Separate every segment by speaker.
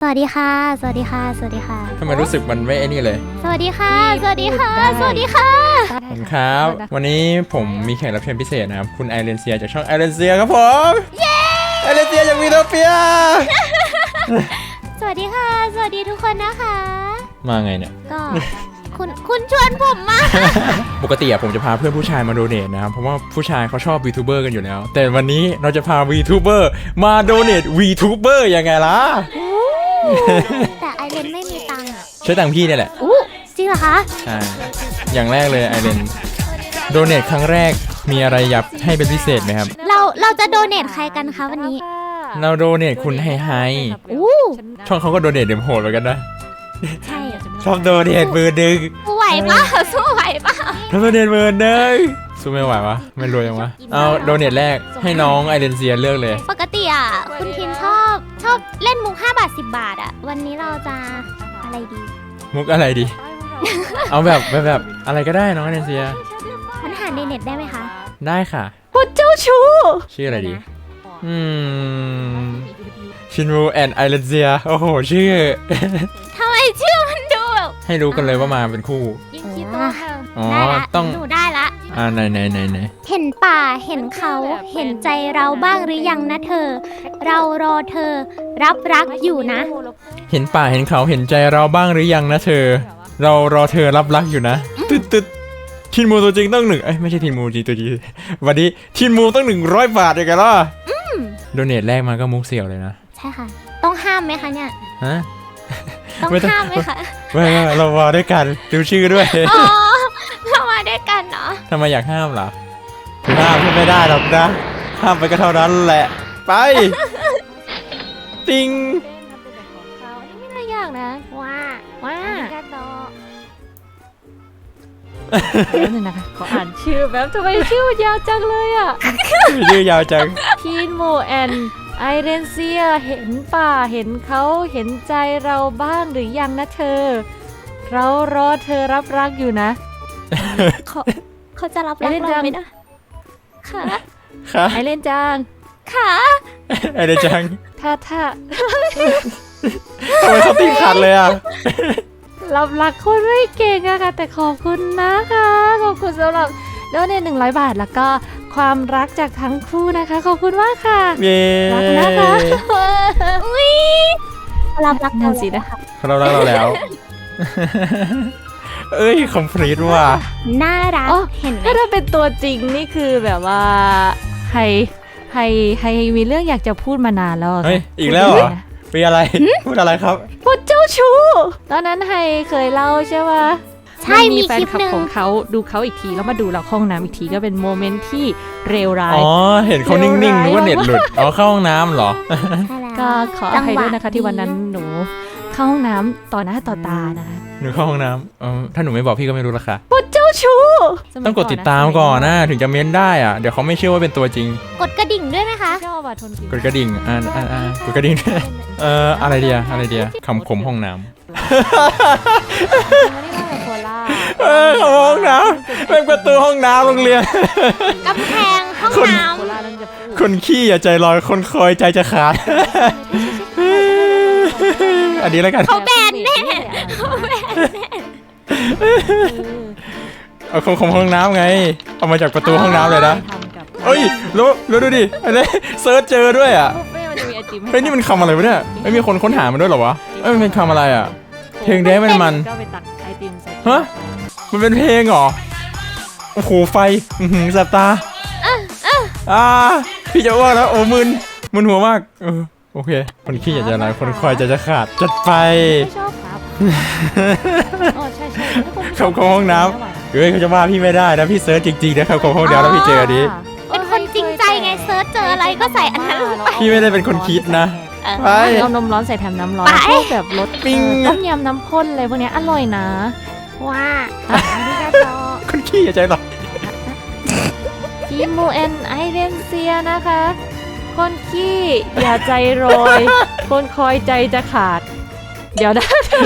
Speaker 1: วัสดีค่ะสวัสดีค่ะสวัสดีค่ะ
Speaker 2: ทำไมรู้สึกมันไม่ไอ้นี่เลย
Speaker 1: สวัสดีค่ะสวัสดีค่ะสวัสดีค่ะ
Speaker 2: ขอบคุณครับวันนี้ผมมีแขกรับเชิญพิเศษนะครับคุณไอเรนเซียจากช่องไอเรนเซียครับผมไอเรนเซียจากวีโทเปีย
Speaker 1: สวัสดีค่ะสวัสดีทุกคนนะคะ
Speaker 2: มาไงเนี่ย
Speaker 1: ก็คุณชวนผมมา
Speaker 2: ปกติอะผมจะพาเพื่อนผู้ชายมาโดเนทนะครับเพราะว่าผู้ชายเขาชอบ VTuber กันอยู่แล้วแต่วันนี้เราจะพา VTuber มาโดเนท VTuber ยังไงล่ะ
Speaker 1: แต่ไอเรนไม่มีตังค์อ่ะ
Speaker 2: ใช้ตังค์พี่เนี่ยแหละ
Speaker 1: จริงเหรอคะ
Speaker 2: ใช่อย่างแรกเลยไอเรนโดเนทครั้งแรกมีอะไรอยากให้เป็นพิเศษไหมครับ
Speaker 1: เราจะโดเนทใครกันคะวันนี้
Speaker 2: เราโดเนทคุณไฮช่องเขาก็โดเนทเดี๋ยวโหดเหมือนกันนะ
Speaker 1: ใช่
Speaker 2: ชอบโดเนทมือดึง
Speaker 1: สู้ไหวปะสู้ไหวปะ
Speaker 2: ทำโดเนทมือดึงสู้ไม่ไหววะไม่รวยยังวะเอาโดเนทแรกให้น้องไอเรนเซียเลือกเลย
Speaker 1: ปกติอ่ะคุณทินชอบเล่นมุก5 บาท 10 บาทอ่ะวันนี้เราจะอะไรดี
Speaker 2: มุกอะไรดี เอาแบบอะไรก็ได้น้องไอเรนเซีย
Speaker 1: มันหาในเน็ตได้ไหมคะ
Speaker 2: ได้ค่ะ
Speaker 1: คุณเจ้าชู้
Speaker 2: ชื่ออะไรดีชินรูแอนไอเรนเซียโอ้โหชื่อ
Speaker 1: ทำไมชื่อมันดูแบบ
Speaker 2: ให้รู้กันเลยว่ามาเป็นคู่
Speaker 1: ยิงคิโต้ค่ะ
Speaker 2: ได้ละ
Speaker 1: ต้องหนูได้ละ
Speaker 2: ไหน
Speaker 1: เห็นป่าเห็นเขาเห็นใจเราบ้างหรือยังนะเธอเรารอเธอรับรักอยู่นะ
Speaker 2: เห็นป่าเห็นเขาเห็นใจเราบ้างหรือยังนะเธอเรารอเธอรับรักอยู่นะตึ๊ดทินมูตัวจริงต้องไม่ใช่ทินมูจริงตัวจริงวันนี้ทินมูต้อง100 บาทเลยกันล่ะโดเนทแรกมาก็มุกเสี่ยวเลยนะ
Speaker 1: ใช่ค่ะต้องห้ามไหมคะเนี่ย
Speaker 2: ฮะ
Speaker 1: ต้องห้ามไหมคะ
Speaker 2: ไม่เรามาด้วยกันดูชื่อด้วย
Speaker 1: อ๋อเรามาด้วยกันเนาะ
Speaker 2: ทำไมอยากห้ามล่ะห้ามไม่ได้หรอกนะห้ามไปก็เท่านั้นแหละไปติง
Speaker 1: ไม่น่ายากนะว้า
Speaker 3: แล้วนึงนะคะขออ่านชื่อแบบทำไมชื่อยาวจังเลยอ่ะ
Speaker 2: ชื่อยาวจัง
Speaker 3: ทีนโมแอนไอเรนเซียเห็นป่าเห็นเขาเห็นใจเราบ้างหรือยังนะเธอเรารอเธอรับรักอยู่นะ
Speaker 1: เขาจะรับรักเราไหมนะ
Speaker 3: ค่ะไอเรนจัง
Speaker 1: ค่ะ
Speaker 2: ไอเรนจัง
Speaker 3: ถ้า
Speaker 2: ทำไมเขาตีขาดเลยอ่ะ
Speaker 3: รับรักคนไม่เก่งอะค่ะแต่ขอบคุณนะคะขอบคุณสำหรับโดเนท100 บาทแล้วก็ความรักจากทั้งคู่นะคะขอบคุณมากค่ะรักนะคะ
Speaker 1: รับรัก
Speaker 3: นั่นสินะคะ
Speaker 2: เรารักเราแล้วเอ้ยคอมพลีทว่ะ
Speaker 1: น่ารักเห็นไหม
Speaker 3: ถ้าเป็นตัวจริงนี่คือแบบว่าให้มีเรื่องอยากจะพูดมานานแล้ว
Speaker 2: เฮ้ยอีกแล้วเหรอมีอะไรพูดอะไรครับ
Speaker 3: พูดเจ้าชู้ตอนนั้นให้เคยเล่าใช่ไหม
Speaker 1: ใช่มีคลิปหนึ่ง
Speaker 3: ของเขาดูเขาอีกทีแล้วมาดูเราห้องน้ำอีกทีก็เป็นโมเมนต์ที่เลวร้าย
Speaker 2: อ๋อเห็นเขานิ่งๆนึกว่าเน็ตหลุดอ๋อเข้าห้องน้ำเหรอ
Speaker 3: ก็ขออภัยด้วยนะคะที่วันนั้นหนูเข้าห้องน้ำต่อหน้าต่อตานะคะ
Speaker 2: หนูเข้าห้องน้ำถ้าหนูไม่บอกพี่ก็ไม่รู้ละค่ะ
Speaker 3: พูดเจ้าชู้
Speaker 2: ต้องกดติดตามก่อนนะถึงจะเม้นได้อ่ะเดี๋ยวเขาไม่เชื่อว่าเป็นตัวจริง
Speaker 1: กดกระดิ่งด้วยไหมคะ
Speaker 2: กดกระดิ่งกดกระดิ่งอะไรเดียคำคมห้องน้ำห้องน้ำเป็นประตูห้องน้ำโรงเรียน
Speaker 1: กำแพงห้องน้
Speaker 2: ำคนขี้อย่าใจลอยคนคอยใจจะขาดอันนี้แล้วกัน
Speaker 1: เขาแบนแน่
Speaker 2: เอาของห้องน้ำไงเอามาจากประตูห้องน้ำเลยนะเอ้ยแล้วดูดิอันนี้เซิร์ชเจอด้วยอ่ะเฮ้ยนี่มันคำอะไรวะเนี่ยไม่มีคนค้นหามันด้วยหรอวะมันเป็นคำอะไรอ่ะเพลงเด้มันฮะมันเป็นเพลงเหรอโอ้โหไฟสับตาพี่จะอ้วกแล้วโอ้มึนหัวมากโอเคคนขี้อยากจะอะไรคนคอยจะขาดจัดไป
Speaker 3: ชอบครับอ๋อใช่
Speaker 2: เขาห้องน้ำเขาจะว่าพี่ไม่ได้นะพี่เซิร์ชจริงๆนะเขาห้องน้ำแล้วพี่เจอนี้
Speaker 1: เป็นคนจริงใจไงเซิร์ชเจออะไรก็ใส่อันนั้นไป
Speaker 2: พี่ไม่ได้เป็นคนคิดนะ
Speaker 3: ไปเอานมร้อนใส่แถมน้ำร้อนพวกแบบรสต้มยำน้ำข้นอะไรพวกนี้อร่อยนะ
Speaker 1: ว้า
Speaker 2: คนขี้อย่าใจหรอก
Speaker 3: ทีมโมแอนไอเรนเซียนะคะคนขี้อย่าใจโรยคนคอยใจจะขาดเดี๋ยว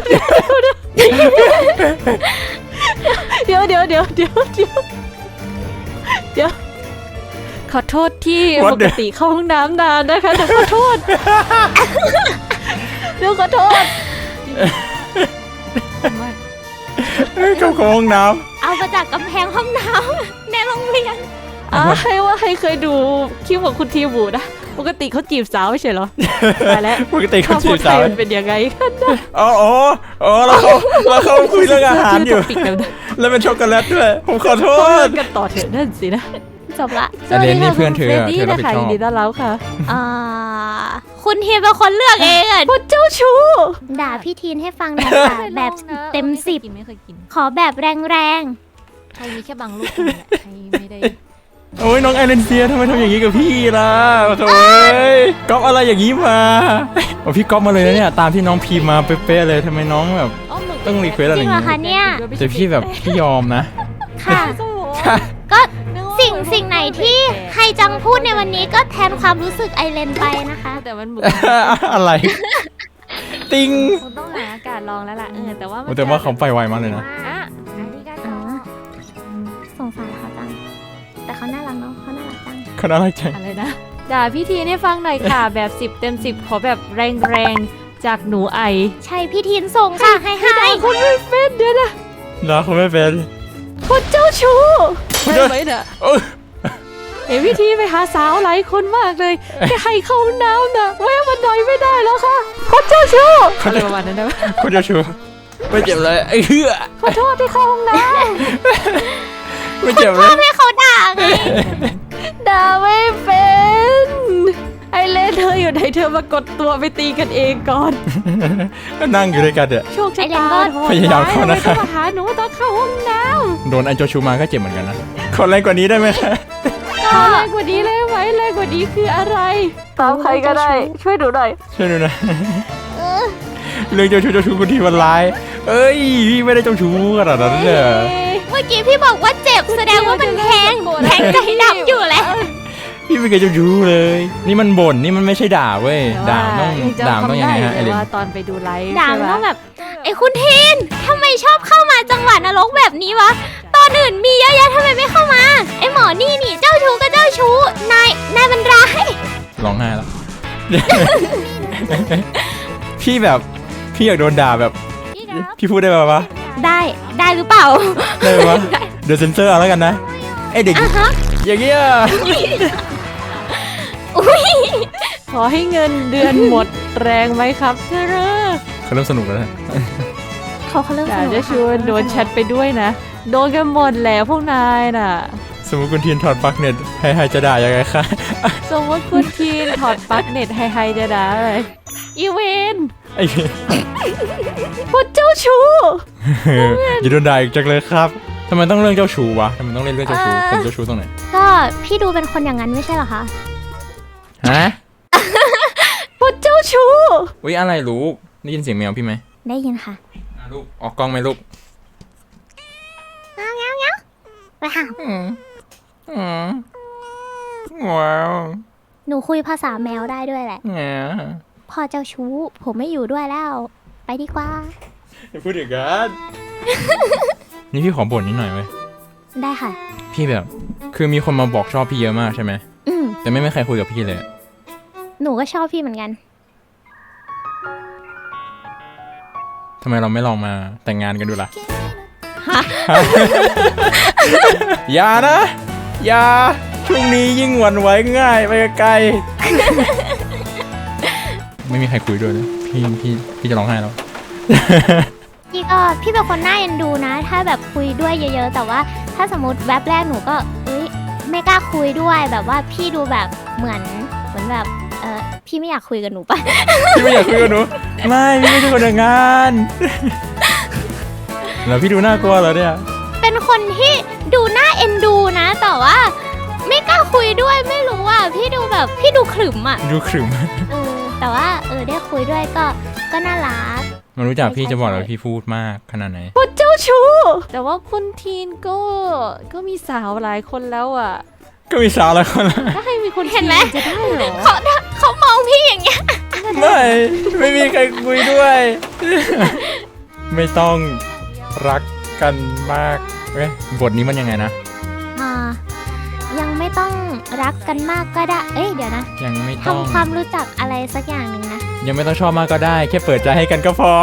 Speaker 3: ขอโทษที่ปกติเข้าห้องน้ำนานนะคะแต่ขอโทษนูขอโทษ
Speaker 2: เข้าห้องน้
Speaker 1: เอามาจากกำแพงห้องน้ำในโรงเรียน
Speaker 3: ให้เคยดูคลิปของคุณทีบูนะปกติเขาจีบสาวไม่ใช่เหรอตายแล้ว
Speaker 2: ำปกติเขาจีบสาว
Speaker 3: มันเป็นยังไงกันนะ
Speaker 2: อ๋อแล้วเขาคุยเรื่องอาหารอยู่
Speaker 3: ปิดกันนะ
Speaker 2: แล้วเป็นช็อกโกแลตด้วยผมขอโท
Speaker 3: เขาเลิ
Speaker 2: ษ
Speaker 3: กกันต่อเถอะนั่นสินะ
Speaker 1: จบละ
Speaker 2: แต่เรนนี่เพื่อนเธอ
Speaker 3: เรน
Speaker 2: อะ
Speaker 3: นี่
Speaker 2: เธอรับ
Speaker 3: นะ
Speaker 2: ผิด
Speaker 3: คะ
Speaker 2: ชอ
Speaker 3: ยิ
Speaker 2: บ
Speaker 3: นดีต้อนรับค่ะ
Speaker 1: อ่าคุณทีนเป็นคนเลือกเองอะ
Speaker 3: คนเจ้าชู้
Speaker 1: ด่าพี่ทีนให้ฟังหน่อยค่ะ แบบเต็ม10
Speaker 3: ไม่เคยกิน
Speaker 1: ขอแบบแรง
Speaker 3: ใครมีแค่บางลูกนี่แหละใครไม่ได้
Speaker 2: โอ้ยน้องไอเลนเซียทำไมทำอย่างนี้กับพี่ล่ะโถ่ก๊อปอะไรอย่างนี้มาโอ้พี่ก๊อปมาเลยนะเนี่ยตามที่น้องพีมาเป๊ะๆเลยทำไมน้องแบบ ต้องรีเควส
Speaker 1: ๆ
Speaker 2: อะไร
Speaker 1: จริ
Speaker 2: อง ย่าง
Speaker 1: เหรอ
Speaker 2: นี้
Speaker 1: คะเนี่ย
Speaker 2: แต่พี่แบบพี่ยอมนะ
Speaker 1: ค่ะ ก็สิ่งไหนที่ไฮจังพูดในวันนี้ก็แทนความรู้สึกไอเลนไปนะคะ
Speaker 3: แต่มันหมึก
Speaker 2: อะไร ติง
Speaker 3: คงต้องหาอากาศลองแล้วล่ะแต่ว่า
Speaker 2: โอ้แต่ว่าเขาไปไวมากเลยนะ
Speaker 3: อ่ะอันนี้ก็
Speaker 1: อ๋อ สงสารเขาจัง แต่เขาน่ารักเนาะเขาน่ารักจัง
Speaker 2: เขาน่ารักจัง
Speaker 3: อะไรนะด่าพี่ทีให้ฟังหน่อยค่ะ แบบ10 เต็ม 10 ขอแบบแรงๆจากหนูไอ
Speaker 1: ใช่พี่ทีนส่งค่ะ ให้
Speaker 3: คนไม่เป็นเดี๋ยวนะ
Speaker 2: นะเขาไม่เป็น
Speaker 3: คนเจ้าชู้
Speaker 2: คน
Speaker 3: ได้
Speaker 2: เจ้า
Speaker 3: ไหมเนี่ย
Speaker 2: เอ้ย
Speaker 3: เห็นพี่ทีไปหาสาวหลายคนมากเลยแค่ให้เข้าน้ำนะแวะมาหน่อยไม่ได้แล้วค่ะคนเจ้าชู้อะไรประมาณนั้นนะ
Speaker 2: คนเจ้าชู้ไม่เจ็บเลยไอ้เหี้ย
Speaker 3: ขอโทษที่เข้าห้องน้
Speaker 2: ไม่เจ็บเลย
Speaker 1: ให้เขาด่าไง
Speaker 3: ำด่าไม่เป็นไอเล่นเธออยู่ไหนเธอมากดตัวไปตีกันเองก่อน
Speaker 2: ก็นั่งอยู่ด้วยกันเนี่ย
Speaker 3: โชคชะตาโหด
Speaker 2: พยายามเข้านะคะ
Speaker 3: ร้ยทำไมต้องมาหาหนูตอนเข้าห้องน้
Speaker 2: โดนไอ้เจ้าชู้มาก็เจ็บเหมือนกันนะขอแรงกว่านี้ได้ไหมคะ
Speaker 3: ำแรงกว่านี้เลยไหมแรงกว่านี้คืออะไรตามใครก็ได้ช่วยดูหน่อย
Speaker 2: ช่วยดูหนะเรื่องเจ้าชู้คุณทีมันร้ายเอ้ยพี่ไม่ได้เจ้าชู้ขนาดนั้นเลย
Speaker 1: เมื่อกี้พี่บอกว่าเจ็บแสดงว่ามันแทงใจดำอยู่แล้ว
Speaker 2: พี่ไม่เคยเจ้าชู้เลย นี่มันบ่นนี่มันไม่ใช่ด่าเว้ยด่าต้องยังไงฮะไอเลน
Speaker 3: ว่าตอนไปดูไลฟ์
Speaker 1: ด่า
Speaker 3: ใช่
Speaker 1: มัน
Speaker 3: ไหม
Speaker 1: ต้องแบบไอ้คุณทีนทำไมชอบเข้ามาจังหวะนรกแบบนี้วะ ตอนอื่นมีเยอะแยะทำไมไม่เข้ามา ไอ้หมอนี่เจ้าชู้ก็เจ้าชู้ นายมันร้าย
Speaker 2: ร้องไห้แล้ว พี่แบบพี่อยากโดนด่าแบบ พี่พูดได้ป่าวะ
Speaker 1: ได้หรือเปล่า
Speaker 2: ได้ปะเดี๋ยวเซ็นเซอร์เอาแล้วกันนะไอเด็ก
Speaker 1: อ่ะฮะ
Speaker 2: อย่างเงี้ย
Speaker 1: อุ้ย
Speaker 3: ขอให้เงินเดือนหมดแรงไหมครับเธอ
Speaker 2: เขาเริ่มสนุกแล้วนะ
Speaker 1: เขาเริ่ม
Speaker 3: แต่
Speaker 1: สนุก
Speaker 3: จะชวนโดนแชทไปด้วยนะ โดนกันหมดแหละพวกนายน่ะ
Speaker 2: สมมติคุณเทียนถอดปลั๊กเน็ตให้จะด่ายังไงคะ
Speaker 3: สมมติคุณทีนถอดปลั๊กเน็ตไฮจะด่าเลยอีเวน
Speaker 2: ไอ้
Speaker 3: พวกเจ้าชู้
Speaker 2: อย่าโดนด่าอีกจังเลยครับทำไมต้องเรื่องเจ้าชู้วะทำไมต้องเล่นเรื่องเจ้าชู้ผมเจ้าชู้ตรงไหน
Speaker 1: ก็พี่ดูเป็นคนอย่างนั้นไม่ใช่เหรอคะ
Speaker 2: ฮะ
Speaker 3: พวกเจ้าชู้
Speaker 2: อุ๊ยอะไรลูกได้ยินเสียงแมวพี่ไหม
Speaker 1: ได้ยินค่ะ
Speaker 2: ลูกออกกล้องไหมลูก
Speaker 1: ไปค่ะ
Speaker 2: ว้าว
Speaker 1: หนูคุยภาษาแมวได้ด้วยแหละ
Speaker 2: แง่
Speaker 1: พ่อเจ้าชู้ ผมไม่อยู่ด้วยแล้ว ไปดีกว่า
Speaker 2: อย่าพูดอย่างนั้น นี่พี่ขอบ่นนิดหน่อยเว้ย
Speaker 1: ได้ค่ะ
Speaker 2: พี่แบบ คือมีคนมาบอกชอบพี่เยอะมากใช่ไหม
Speaker 1: อืม
Speaker 2: แต่ไม่มีใครคุยกับพี่เลย
Speaker 1: หนูก็ชอบพี่เหมือนกัน
Speaker 2: ทำไมเราไม่ลองมาแต่งงานกันดูล่ะ อย่านะ อย่า ช่วงนี้ยิ่งหวั่นไหวง่ายไปไกล ไม่มีใครคุยด้วยนะพี่จะร้องไห้แล้ว
Speaker 1: พี่เป็นคนน่าเอ็นดูนะ ถ้าแบบคุยด้วยเยอะๆ แต่ว่าถ้าสมมติแวบแรกหนูก็ไม่กล้าคุยด้วยแบบว่าพี่ดูแบบเหมือนแบบพี่ไม่อยากคุยกับหนูปะ
Speaker 2: พี่ไม่อยากคุยกับหนู ไม่พี่ไม่ใช่คนอย่างงาน แล้วพี่ดูน่ากลัวเหรอเนี่ย
Speaker 1: เป็นคนที่ดูน่าเอ็นดูนะ แต่ว่าไม่กล้าคุยด้วยไม่รู้อ่ะพี่ดูแบบพี่ดูขรึมอ่ะ
Speaker 2: ดูขรึม
Speaker 1: แต่ว่าได้คุยด้วยก็น่ารัก
Speaker 2: มันรู้จักพี่จะบอกเลยพี่พูดมากขนาดไหน
Speaker 3: พวกเจ้าชู้ แต่ว่าคุณทีนก็มีสาวหลายคนแล้วอ่ะ
Speaker 2: ก็มีสาวหลายคนแล้ว
Speaker 3: ถ้าให้มีคน
Speaker 1: เห็นไหม
Speaker 3: จะได้เหรอ
Speaker 1: เขามองพี่อย่างเงี้ย
Speaker 2: ไม่มีใครคุยด้วย ไม่ต้องรักกันมากเว้ยบทนี้มันยังไงนะ
Speaker 1: ยังไม่ต้องรักกันมากก็ได้เดี๋ยวนะ
Speaker 2: ยังไม่ต้อง
Speaker 1: ทำความรู้จักอะไรสักอย่างหนึ่งนะ
Speaker 2: ยังไม่ต้องชอบมากก็ได้ แค่เปิดใจให้กันก็พอ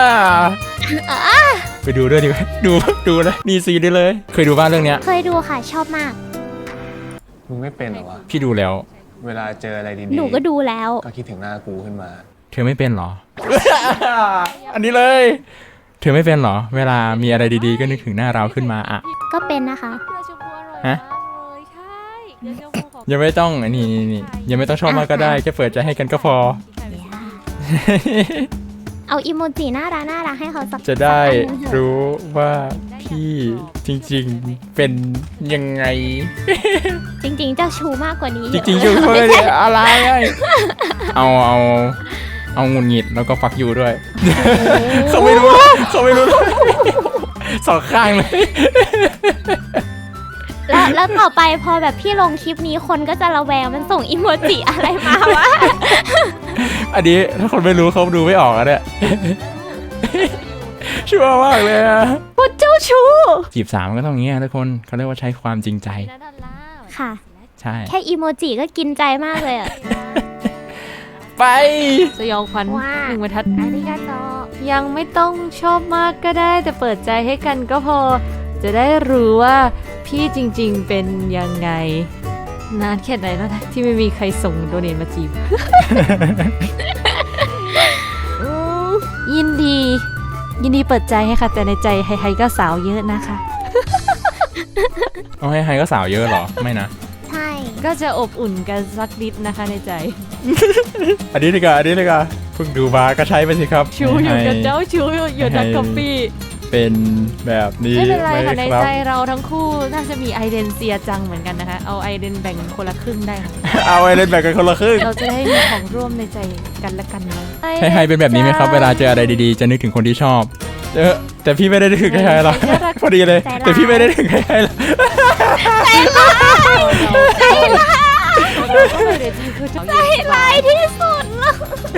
Speaker 2: ไปดูด้วยดีไหมดูเลยนี่ซีได้เลย เคยดูบ้างเรื่องเนี้ย
Speaker 1: เคยดูค่ะชอบมาก
Speaker 4: มึงไม่เป็นเหรอวะ
Speaker 2: พี่ดูแล้ว
Speaker 4: เวลาเจออะไรดี
Speaker 1: หนูก็ดูแล้ว
Speaker 4: ก็คิดถึงหน้ากูขึ้นมา
Speaker 2: เธอไม่เป็นเหรอ อันนี้เลย เธอไม่เป็นเหรอ เวลามีอะไรดีๆก็นึกถึงหน้าเราขึ้นมาอะ
Speaker 1: ก็เป็นนะคะ
Speaker 3: เกลือชมพูอร่อย
Speaker 2: ฮะ
Speaker 3: มากเลยใช่เกลือชมพูของ
Speaker 2: ยังไม่ต้องนี่ยังไม่ต้องชอบมากก็ได้ แค่เปิดใจให้กันก็พอ
Speaker 1: เอาอีโมจิน่ารักให้เขาสัก
Speaker 2: จะได้
Speaker 1: สักอันหนึ่งเถอะ
Speaker 2: รู้ว่าพี่จริงๆเป็นยังไง
Speaker 1: จริงๆเจ้าชู้มากกว่านี้
Speaker 2: จริงๆชูเพื่อนอะไรเอางุนหงิดแล้วก็ฟักยูด้วย เขาไม่รู้เลยสองข้างเลย
Speaker 1: แล้วต่อไปพอแบบพี่ลงคลิปนี้คนก็จะระแวงมันส่งอีโมจิอะไรมาวะ
Speaker 2: อันนี้ถ้าคนไม่รู้เขาดูไม่ออกอะเนี่ย ชั่วมากเลยอะ
Speaker 3: พูดเจ้าชู้
Speaker 2: จีบสาวมันก็ต้องอย่างเงี้ยทุกคนเขาเรียกว่าใช้ความจริงใจ
Speaker 1: ค่ะ
Speaker 2: ใช่
Speaker 1: แค่อีโมจิก็กินใจมากเลยอ่ะ
Speaker 2: ไป
Speaker 3: สยองขวัญ
Speaker 1: ว่า
Speaker 3: หนึ่งบรรทัด
Speaker 1: อาริกาโต
Speaker 3: ยังไม่ต้องชอบมากก็ได้ แต่เปิดใจให้กันก็พอ จะได้รู้ว่าพี่จริงๆเป็นยังไง นานแค่ไหนแล้วนะที่ไม่มีใครส่งโดเนทมาจีบ อืมยินดีเปิดใจให้ค่ะ แต่ในใจใครๆก็สาวเยอะนะคะ
Speaker 2: เอาให้ก็สาวเยอะเหรอไม่นะ
Speaker 1: ใช่
Speaker 3: ก็จะอบอุ่นกันสักนิดนะคะในใจ
Speaker 2: อันนี้ดีกว่าเพิ่งดูมาก็ใช้ไปสิครับ
Speaker 3: ชูอยู่กับเจ้าชูอยู่นัก
Speaker 2: ให้
Speaker 3: กาแฟ
Speaker 2: เป็นแบบนี้
Speaker 3: ไม่เป็นไรค่ะใน
Speaker 2: ครับ
Speaker 3: ใจเราทั้งคู่น่าจะมีไอเดนเซียจังเหมือนกันนะคะ เอาไอเดนแบ่งคนละครึ่งได้ค่ะ
Speaker 2: เอาไว้เล่นแบบกันคนละครึ่ง
Speaker 3: เราจะได้มีของร่วมในใจกันและกันนะ
Speaker 2: ให้เป็นแบบนี้ไหมครับ เวลาเจออะไรดีๆ จะนึกถึงคนที่ชอบแต่พี่ไม่ได้นึกถึงใครๆหรอกพอดีเลย แต่พี่ไม่ได้นึกถึงใครๆหรอก
Speaker 3: ใจร้าย
Speaker 1: ที่สุดเลย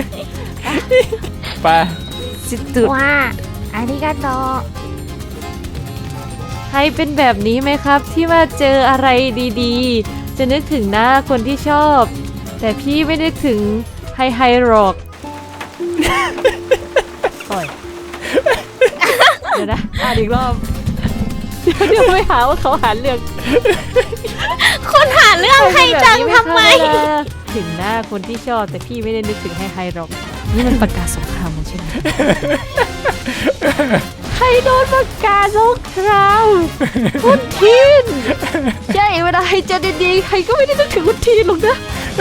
Speaker 2: ไป
Speaker 3: สิตุด
Speaker 1: ว่าอาริกาโต
Speaker 3: ให้เป็นแบบนี้ไหมครับ ที่ว่าเจออะไรดีๆ จะนึกถึงหน้าคนที่ชอบ แต่พี่ไม่นึกถึงไฮหรอกปล่อยเดี๋ยวนะอ่านอีกรอบ เดี๋ยวไม่หาว่าเขาหาเรื่อง
Speaker 1: คุณหาเรื่องใครจังทำไม
Speaker 3: ถึงหน้าคนที่ชอบแต่พี่ไม่ได้นึกถึงไฮหรอก นี่มันประกาศสงครามใช่ไหม ใครโดนประกาศสงครามคุณทีนใช่เวลาใครเจอดีๆใครก็ไม่ได้นึกถึงคุณทีนหรอกนะ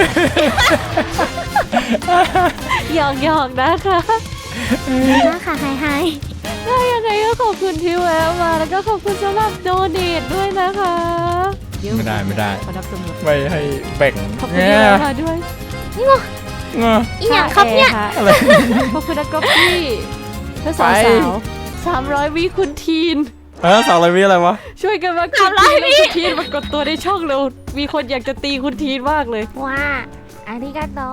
Speaker 3: หยอกนะคะ
Speaker 1: นะคะไฮ
Speaker 3: ถ้ายังไงก็ขอบคุณที่แวะมาแล้วก็ขอบคุณสำหรับโดเนทด้วยนะคะเยว
Speaker 2: ไม่ได้
Speaker 3: ขอนับจำนวน
Speaker 2: ไม่ให้แบ่ง
Speaker 3: ขอบคุณที่แวะมาด้วย
Speaker 2: งอ
Speaker 1: อีหยังครับเนี่ย
Speaker 2: อะไร
Speaker 3: ขอบคุณนะก๊อปปี้เพื่อสาวๆ300 วิคุณทีน
Speaker 2: สาวอะไรวิอะไรวะ
Speaker 3: ช่วยกันมากดทีนคุณทีนมากดตัวในช่องเร็วมีคนอยากจะตีคุณทีนมากเลย
Speaker 1: ว่าอาริกาโต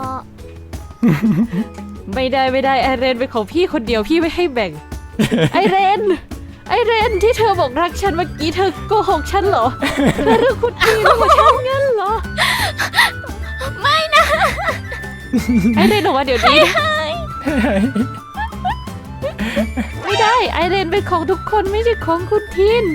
Speaker 3: ไม่ได้ไอเรนเป็นของพี่คนเดียวพี่ไม่ให้แบ่ง ไอเรนที่เธอบอกรักฉันเมื่อกี้เธอโกหกฉันเหรอเธอเรื่องคุณทีนของฉันงั้นเหรอ
Speaker 1: ไม่นะ
Speaker 3: ไอเรนบอกว่าเดี๋ยวนี้ไม่ได้ไอเรนเป็นของทุกคนไม่ใช่ของคุณทีน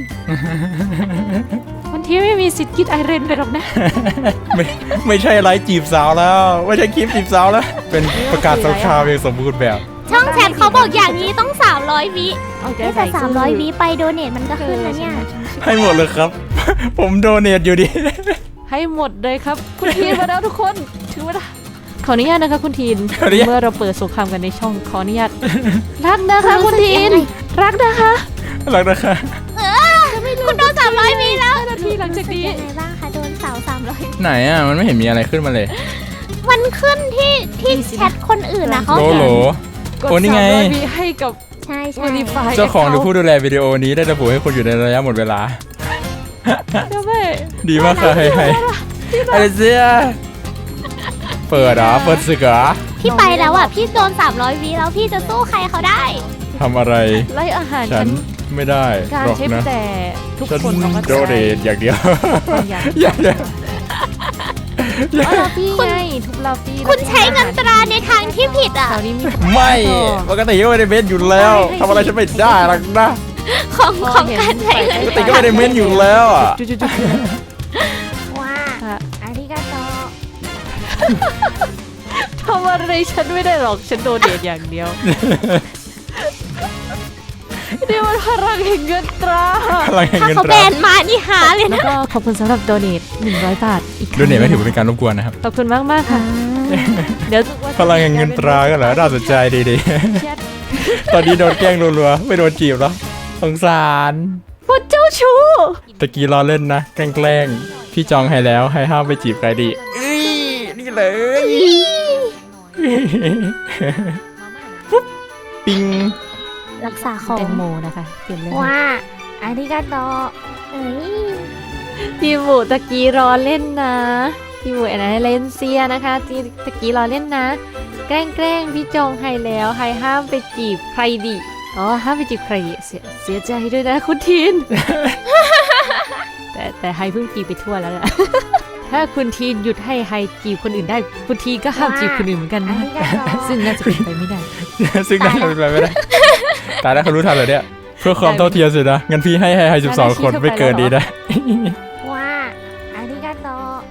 Speaker 3: คุณทีนไม่มีสิทธิ์คิดไอเรนไปหรอกนะ
Speaker 2: ไม่ใช่ไลฟ์จีบสาวแล้ว ไม่ใช่คลิปจีบสาวแล้ว เป็นประกาศสงครามอย่างสมบูรณ์แบบ
Speaker 1: ช่องแชทเขาบอกอย่างนี้ต้อง300 วิ
Speaker 3: เอาใจ
Speaker 1: แต่
Speaker 3: ใส่
Speaker 1: 300 วิไปโดเนทมันก็ขึ้นนะเนี่ย
Speaker 2: ให้หมดเลยครับ ผมโดเนทอยู่ดิ
Speaker 3: ให้หมดเลยครับ คุณทีนมาแล้วทุกคนถือว่าขออนุญาตนะคะคุณทีน
Speaker 2: ขออนุญาต
Speaker 3: เมื่อเราเปิดสงครามกันในช่องขออนุญาตรักนะคะคุณทีนรักนะคะ
Speaker 2: รักนะคะ
Speaker 1: คุณโดน300 วิแล้ว
Speaker 3: 5 นาทีหลังจากนี้
Speaker 1: ยังไงบ้างคะโดนสาว300
Speaker 2: ไหนอ่ะ มันไม่เห็นมีอะไรขึ้นมาเลย
Speaker 1: มันขึ้นที่แชทคนอื่นนะเขา
Speaker 2: โลโหล
Speaker 3: กด
Speaker 2: โอ้นี่ไง
Speaker 3: 300 วิให้กับ
Speaker 1: ใช่
Speaker 3: Verify
Speaker 2: เจ้าของหรือผู้ดูแลวิดีโอนี้ได้ระบุให้คุณอยู่ในระยะหมดเวลา
Speaker 3: เดี๋ยวแม่
Speaker 2: ดีมากค่ะให้อะไรเสียเปิดเหรอ เปิดศึกเหรอ
Speaker 1: พี่ไปแล้วอ่ะพี่โดน300 วิแล้วพี่จะสู้ใครเขาได้
Speaker 2: ทำอะไร
Speaker 3: ไล่อาหาร
Speaker 2: ฉั
Speaker 3: ฉั
Speaker 2: น
Speaker 3: น
Speaker 2: ไม่ได้
Speaker 3: การ
Speaker 2: หรอก
Speaker 3: ใช้
Speaker 2: นะ
Speaker 3: แต่ทุก
Speaker 2: ฉัน
Speaker 3: คนเอามา
Speaker 2: โดเนทอย่างเดียว
Speaker 3: อย่าง
Speaker 2: อย่างเดียว
Speaker 3: ล็อบบี้ไงทุกล็อบบี้
Speaker 1: คุณใช้เงินตราในทางที่ผิดอ่ะ
Speaker 3: แถวนี้มี
Speaker 2: ไม่ปกติก็ไม่ได้เม้นอยู่แล้วทำอะไรฉันไม่ได้หรอกนะ
Speaker 1: ของการใช้เงิน
Speaker 2: ปกติก็ไม่ได้เม้นอยู่แล้วอ่ะ
Speaker 3: จุด
Speaker 1: ว้า
Speaker 3: อาริกาโตทำอะไรฉันไม่ได้หรอกฉันโดเนทอย่างเดียวนี่มันพลังแห่งเงินตรา
Speaker 2: พลังแห่ง
Speaker 1: ถ้า
Speaker 2: เงิน
Speaker 1: เขา
Speaker 2: ต
Speaker 1: แบ
Speaker 2: ราน
Speaker 1: มานี่หาเลย
Speaker 3: แล้ว
Speaker 1: นะ
Speaker 3: ก็ขอบคุณสำหรับโดเนท100 บาทอีกครั้ง
Speaker 2: ดูเนี่ยไม่ถือว่าเป็นการรบกวนนะครับ
Speaker 3: ขอบคุณมากค่ะ เดี๋ยว
Speaker 2: พลังแห่งเงินตราก็เหรอน่าสนใจดีๆ ตอนนี้โดนแกล้งรัวๆไม่โดนจีบแล้วสงสาร
Speaker 3: พูดเจ้าชู้
Speaker 2: ตะกี้ล้อเล่นนะแกล้งๆพี่จองให้แล้วให้ห้ามไปจีบใครดีนี่เลยปุ๊บปิง
Speaker 1: รักษาของ
Speaker 3: แตงโมนะคะเขียนเลย
Speaker 1: ว้าอาริกาโตเอ้ย
Speaker 3: พี่หมูตะกี้รอเล่นนะพี่หมูแอนเลนเซียนะคะที่ตะกี้รอเล่นนะ แกล้งพี่จองให้แล้วให้ห้ามไปจีบใครดิอ๋อห้ามไปจีบใครดิเสียใจด้วยนะคุณทีน แต่ไฮเพิ่งจีบไปทั่วแล้วล่ะ ถ้าคุณทีนหยุดให้ไฮจีบคนอื่นได้คุณทีนก็ห้ามจีบคนอื่นเหมือนกัน
Speaker 1: อา
Speaker 3: นะ
Speaker 1: ริกาโต
Speaker 3: ซึ่งน่าจะเป็นไปไม่ได้
Speaker 2: ซึ่งน่าจะเป็นไปไม่ได้ตายแล้วเขารู้ทันเลยเนี่ยเพื่อความเท่าเทียมสินะงั้นพี่ให้12 คนไม่เกินดีนะ
Speaker 1: ว้าอาริกาโต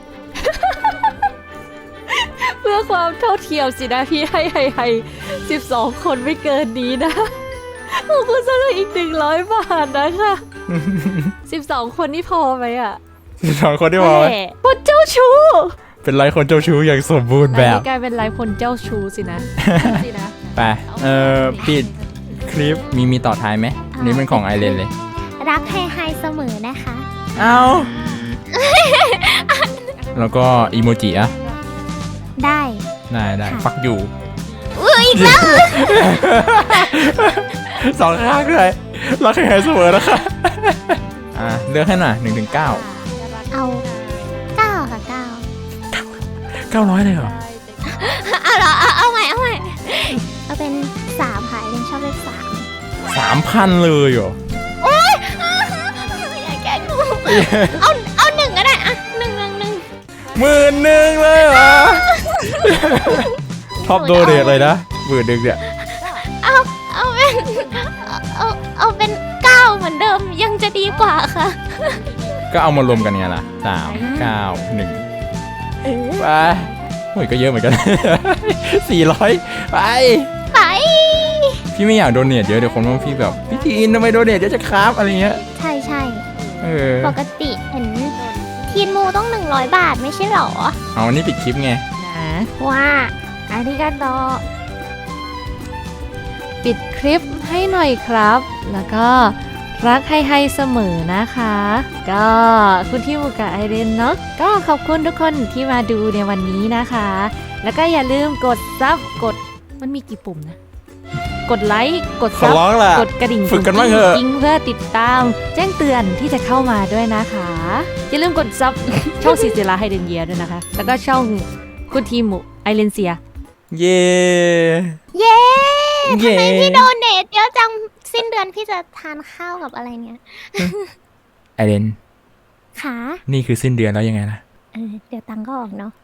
Speaker 3: เพื่อความเท่าเทียมสินะพี่ให้12 คนไม่เกินนี้นะขอบคุณสำหรับอีก100 บาทนะคะ12 คนนี่พอไหมอ่ะ
Speaker 2: 12 คนที่บอกไว้
Speaker 3: แหมคนเจ้าชู้
Speaker 2: เป็นไรคนเจ้าชู้อย่างสมบูรณ์แบบ
Speaker 3: อันนี้กลายเป็นไลฟ์คนเจ้าชู้สินะ สินะ
Speaker 2: ไปปิดคลิปมีต่อท้ายไหมอันนี้เป็นของไอเลนเลย
Speaker 1: รักให้ไฮเสมอนะคะ
Speaker 2: เอาแล้วก็อีโมจิอะ
Speaker 1: ได้
Speaker 2: ได้ฟักอยู่
Speaker 1: อีกแล้ว
Speaker 2: สองข้างเลยรักให้หายเสมอนะคะเลือกให้หน่อย1 ถึง 9
Speaker 1: เอา9ค่ะ
Speaker 2: 900เลยเหรอ
Speaker 1: 9เอาเหรอเอาใหม่เอาเป็น3ค่ะยังชอบเลข3
Speaker 2: 3,000 เลยเหรอ
Speaker 1: อย่าแกล้งหนูเอา1ก็ได้อะ1
Speaker 2: 11,000เลยเหรอท็อปโดเดทเลยนะ11,000เนี่ย
Speaker 1: เอาเป็นเอาเป็น9เหมือนเดิมยังจะดีกว่าค่ะ
Speaker 2: ก็เอามารวมกันไงล่ะ3 9 1ไปโอ้ยก็เยอะเหมือนกัน 400 ไป
Speaker 1: ไป
Speaker 2: พี่ไม่อยากโดเนทเยอะเดี๋ยวคนว่าพี่แบบพี่ทีนทำไมโดเนทเยอะจะครับอะไรเงี้ย
Speaker 1: ใช่
Speaker 2: เออ
Speaker 1: ปกติเห็นทีนมูต้อง100 บาทไม่ใช่หรอ
Speaker 2: เอาอันนี้ปิดคลิปไง
Speaker 3: นะ
Speaker 1: ว้าอาริกาโต
Speaker 3: ปิดคลิปให้หน่อยครับ แล้วก็รักให้เสมอนะคะ ก็คุณที่มูกับไอเรนเนาะก็ขอบคุณทุกคนที่มาดูในวันนี้นะคะ แล้วก็อย่าลืมกดซับมันมีกี่ปุ่มนะ กดไลค์กด
Speaker 2: ขอ
Speaker 3: ซับ
Speaker 2: ร้องล่ะ
Speaker 3: กดกระดิ่ง
Speaker 2: ฝึกกันบ้างเถอะ
Speaker 3: จริงเพื่อติดตามแจ้งเตือนที่จะเข้ามาด้วยนะคะ อย่าลืมกดซับ ช่องซีเซลาไฮเดนเยียด้วยนะคะ แล้วก็ช่องคุณทีมูไอเลนเซีย
Speaker 2: เย่
Speaker 1: เย้
Speaker 2: เย่
Speaker 1: พี่โดเนทเยอะจังสิ้นเดือนพี่จะทานข้าวกับอะไรเนี่ย
Speaker 2: ไอเดน
Speaker 1: ขา
Speaker 2: นี่คือสิ้นเดือนแล้วยังไงนะ
Speaker 1: เดี๋ยวตังค์ก็ออกเนาะ